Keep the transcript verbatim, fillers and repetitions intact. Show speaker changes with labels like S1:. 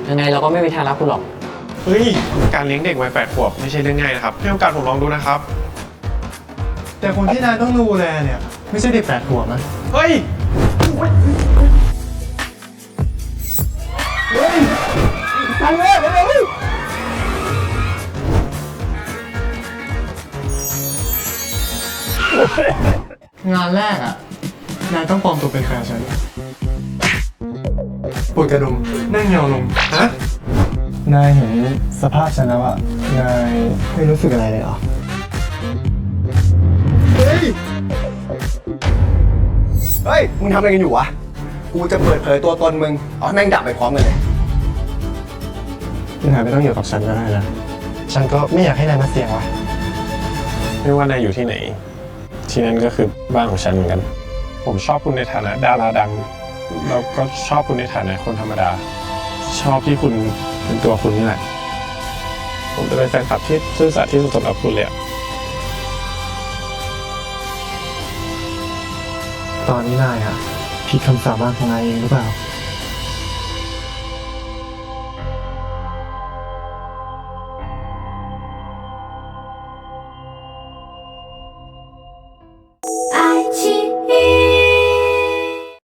S1: ยังไงเราก็ไม่มีทางรับคุณหรอก
S2: เฮ้ยการเลี้ยงเด็กวัยแปดขวบไม่ใช่เรื่องง่ายนะครับให้โอกาสผมลองดูนะครับ
S3: แต่คนที่นายต้องดูแลเนี่ยไม่ใช่เด็กแปดขวบนะ
S2: เฮ้ยเฮ้ยตังเลยเฮ้ย
S3: งานแรกอ่ะนายต้องปลอมตัวเป็นแฟนฉันปวดกระดุมนั่งเงาลงฮะนายเห็นสภาพฉันแล้วอ่ะนายไม่รู้สึกอะไรเลยเหรอเฮ้ย
S4: เฮ้ยมึงทำอะไรกันอยู่วะกูจะเปิดเผยตัวตนมึงเอาให้แม่งดับไปพร้อมกันเลย
S3: นายไม่ต้องอยู่กับฉันก็ได้นะฉันก็ไม่อยากให้นายมาเสี่ยงว่ะ
S2: ไม่ว่านายอยู่ที่ไหนที่นั่นก็คือบ้านของฉันเหมือนกันผมชอบคุณในฐานะดาราดังแล้วก็ชอบคุณในฐานะคนธรรมดาชอบที่คุณเป็นตัวคุณนี่แหละผมจะเป็นแฟนคลับที่ซื่อสัตย์ที่สุดสำหรับคุณเลย
S3: ตอนนี้นายอ่ะผิดคำสาบานของนายเองหรือเปล่า